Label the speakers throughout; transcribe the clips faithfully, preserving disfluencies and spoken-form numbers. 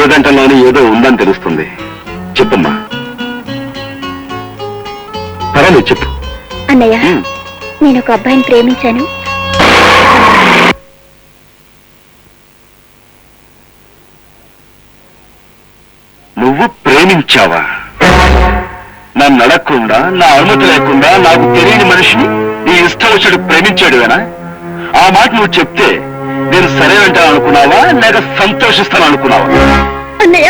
Speaker 1: లేదంటలోనే ఏదో ఉందని తెలుస్తుంది. చెప్పమ్మా. పర్వాలేదు చెప్పు.
Speaker 2: అన్నయ్య, నేను ఒక అబ్బాయిని ప్రేమించాను.
Speaker 1: నువ్వు ప్రేమించావా? నన్ను అడగకుండా, నా అనుమతి లేకుండా నాకు తెలియని మనిషిని నీ ఇష్టం వచ్చాడు ప్రేమించాడువేనా? ఆ మాట నువ్వు చెప్తే నేను సరే అంటాను అనుకున్నావా, లేక సంతోషిస్తాను అనుకున్నావా?
Speaker 2: అన్నయ్య,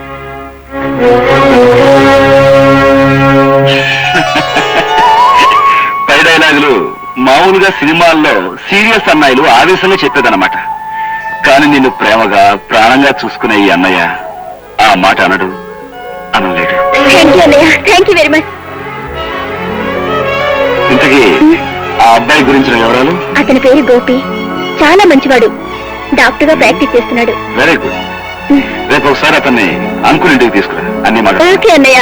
Speaker 1: పై డైలాగులు మామూలుగా సినిమాల్లో సీరియస్ అన్నయ్యలు ఆవేశంలో చెప్పేదన్నమాట. కానీ నిన్ను ప్రేమగా ప్రాణంగా చూసుకునే ఈ అన్నయ్య ఆ మాట అనడు, అనలేడు.
Speaker 2: Thank you very much.
Speaker 1: ఇంతకీ ఆ అబ్బాయి గురించిన వివరాలు?
Speaker 2: అతని పేరు గోపి, చాలా మంచివాడు. డాక్టర్ గా ప్రాక్టీస్ చేస్తున్నాడు.
Speaker 1: Very good. రేపు ఒకసారి అతన్ని అంకుల్ ఇంటికి తీసుకురా, అన్ని మాట.
Speaker 2: ఓకే అన్నయ్య.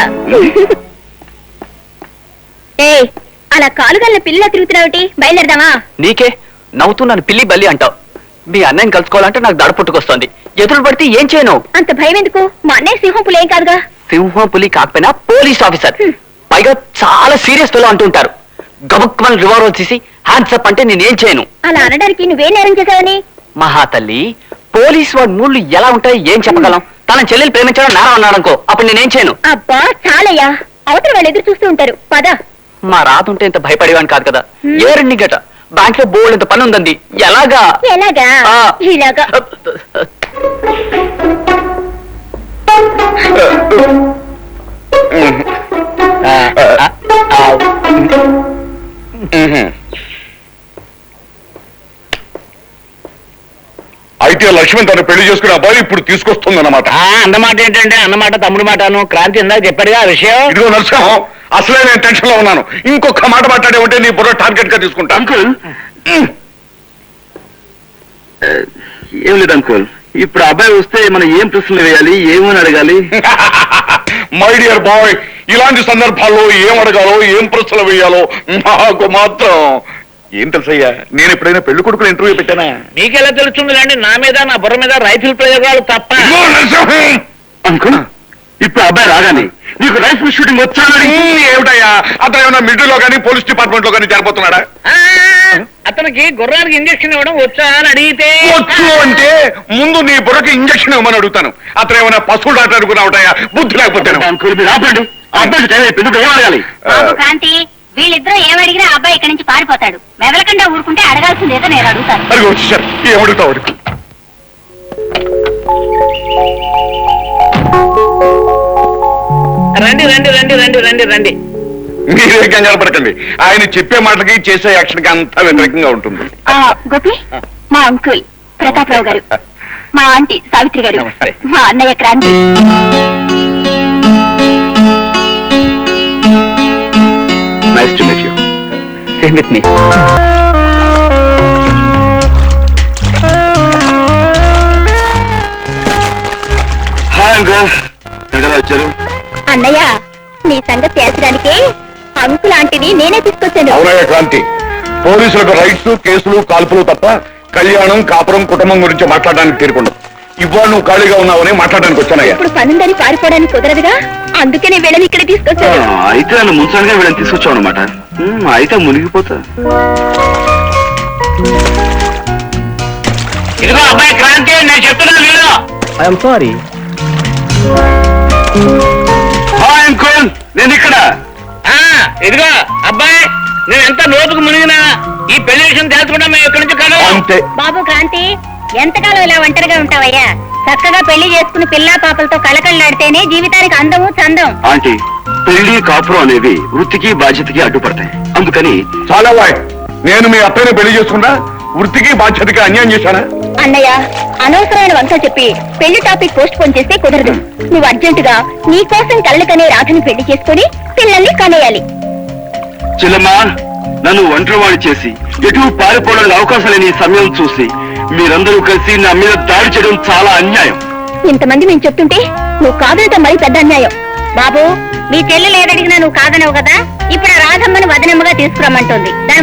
Speaker 2: ఏ అలా కాలుగల్ల పిల్ల తిరుగుతున్నావుటి, బయలుదేరదామా?
Speaker 3: నీకే నవ్వుతున్నాను పిల్లి బల్లి అంటావు. మీ అన్నయ్యని కలుసుకోవాలంటే నాకు దడ పుట్టుకొస్తుంది. ఎదురు పడితే ఏం చేయను?
Speaker 2: అంత భయం ఎందుకు? మా అన్నయ్య సింహం పులి ఏం కాదుగా.
Speaker 3: సింహం పులి కాకపోయినా పోలీస్ ఆఫీసర్, పైగా చాలా సీరియస్ పిల్లలు అంటుంటారు. గబుక్మని రివాల్వర్ తీసి హ్యాండ్స్ అప్ అంటే నేనేం చేయను.
Speaker 2: అలా అనడానికి నువ్వే నేరం చేశావని?
Speaker 3: మహాతల్లి, పోలీస్ వాడి మూడ్లు ఎలా ఉంటాయి ఏం చెప్పగలం? తన చెల్లెలు ప్రేమించడం నేరం అన్నాడనుకో, అప్పుడు నేనేం చేయను.
Speaker 2: అబ్బా చాలయ్యా, అవతల వాళ్ళు ఎదురు చూస్తూ ఉంటారు. పద.
Speaker 3: మా రాతుంటే ఇంత భయపడేవాని కాదు కదా. ఏ రెండు గట బ్యాంక్ లో బోల్డ్ ఇంత పని ఉందండి. ఎలాగా?
Speaker 2: ఎలాగా? ఇలాగా.
Speaker 1: అయితే లక్ష్మణ్ తను పెళ్లి చేసుకునే అబ్బాయి ఇప్పుడు తీసుకొస్తుంది అన్నమాట.
Speaker 3: అన్నమాట ఏంటంటే అన్నమాట తమ్ముడు మాటను. క్రాంతి ఇందాక చెప్పాడుగా ఆ విషయం.
Speaker 1: ఇదిగో నరసింహం, అసలే నేను టెన్షన్ లో ఉన్నాను. ఇంకొక మాట మాట్లాడే ఉంటే నీ బుర్ర టార్గెట్ గా తీసుకుంటా. అంకుల్ ఏం లేదు అంకుల్, ఇప్పుడు అబ్బాయి వస్తే మనం ఏం ప్రశ్నలు వేయాలి, ఏమని అడగాలి? మై డియర్ బాయ్, ఇలాంటి సందర్భాల్లో ఏం అడగాలో ఏం ప్రశ్నలు వేయాలో నాకు మాత్రం ఏం తెలుసయ్యా. నేను ఎప్పుడైనా పెళ్లి కొడుకులు ఇంటర్వ్యూ పెట్టానా?
Speaker 3: మీకెలా తెలుస్తుంది అండి? నా మీద నా బుర్ర మీద రైతుల ప్రయోగాలు తప్ప.
Speaker 1: అంకుల్, ఇప్పుడు అబ్బాయి రాగానే నీకు రైఫిల్ షూటింగ్ వచ్చానని ఏమిటయ్యా? అతను ఏమైనా మిడిల్లో కానీ పోలీస్ డిపార్ట్మెంట్ లో కానీ చేరిపోతున్నాడా?
Speaker 3: అతనికి గుర్రానికి ఇంజక్షన్ ఇవ్వడం వచ్చా అని అడిగితే
Speaker 1: వచ్చు అంటే ముందు నీ బుర్రకి ఇంజక్షన్ ఇవ్వమని అడుగుతాను. అతను ఏమైనా పశువులు డాక్టర్ అనుకున్నావుటయ్యా? బుద్ధి లేకపోతే.
Speaker 2: కాంతి, వీళ్ళిద్దరూ ఏమడిగినా అబ్బాయి ఇక్కడి నుంచి పారిపోతాడు. మెదలకుండా ఊరుకుంటే అడగాల్సిందేదో నేను అడుగుతాను.
Speaker 1: అది వచ్చేసారు, ఏమడుగుతావు అడుగు.
Speaker 3: రండి రండి రండి రండి రండి రండి.
Speaker 1: మీరే కంగారు పడకండి, ఆయన చెప్పే మాటకి చేసే యాక్షన్ కి అంతా వ్యతిరేకంగా ఉంటుంది.
Speaker 2: గోపి, మా అంకుల్ ప్రతాపరావు గారు, మా ఆంటీ సావిత్రి గారు, మా అన్నయ్య Kranti.
Speaker 1: Nice to meet you.
Speaker 3: Same with me.
Speaker 1: Hi uncle, ఎక్కడ వచ్చారు?
Speaker 2: అన్నయ్య, నీ సంగతి తేల్చడానికి అంకుల్ ఆంటీని నేనే తీసుకొచ్చాను.
Speaker 1: అవునయ్య క్రాంతి, పోలీసులకు రైట్స్, కేసులు, కాల్పులు తప్ప కళ్యాణం, కాపురం, కుటుంబం గురించి మాట్లాడడానికి తీరుకుండదు. ఇవాళ నువ్వు ఖాళీగా ఉన్నావని మాట్లాడడానికి వచ్చానయ్యా.
Speaker 2: ఇప్పుడు పనుందని పారిపోవడానికి కుదరదుగా, అందుకే నేను వీళ్ళని ఇక్కడ తీసుకొచ్చాను.
Speaker 1: అయితే నన్ను ముంచడానికి వీళ్ళని తీసుకొచ్చావు అనమాట. అయితే మునిగిపోతా.
Speaker 3: ఇదిగో అబ్బాయి క్రాంతి, నేను చెప్తున్నాను వీళ్ళు. I'm sorry.
Speaker 1: హాయ్ అంకుల్, నేను ఇక్కడ.
Speaker 3: ఇదిగో అబ్బాయి, నేను ఎంత లోతుకు మునిగినా ఈ పెళ్లి విషయం తెలుసుకుంటా మేము ఇక్కడి నుంచి కాదు.
Speaker 1: అంతే.
Speaker 2: బాబు క్రాంతి, ఎంతకాలం ఇలా ఒంటరిగా ఉంటావయ్యా? చక్కగా పెళ్లి చేసుకుని పిల్లా పాపలతో కలకళ్ళాడితేనే జీవితానికి అందము చందం.
Speaker 1: ఆంటీ, పెళ్లి కాపురం అనేవి వృత్తికి బాధ్యతకి అడ్డుపడతాయి. అందుకని చాలా వాయ్ నేను మీ అత్తయ్యని పెళ్లి చేసుకున్నా వృత్తికి బాధ్యతకి అన్యాయం చేశానా?
Speaker 2: అన్నయ్య, అనవసరమైన వంక చెప్పి పెళ్లి టాపిక్ పోస్ట్ పోన్ చేస్తే కుదరదు. నువ్వు అర్జెంటుగా నీ కోసం కళ్ళకనే రాధని పెళ్లి చేసుకుని పిల్లల్ని కనేయాలి.
Speaker 1: చెల్లమ్మా, నన్ను ఒంటరివాడి చేసి ఎటు పారిపోవడానికి అవకాశం లేని ఈ సమయం చూసి మీరందరూ కలిసి నా మీద దాడి చేయడం చాలా అన్యాయం.
Speaker 2: ఇంతమంది మేము చెప్తుంటే నువ్వు కాదనటం మరి పెద్ద అన్యాయం. బాబు, మీ చెల్లెలు ఏదడిగినా నువ్వు కాదనవు కదా. ఇప్పుడు ఆ రాధమ్మని వదనమ్మగా తీసుకురమ్మంటుంది.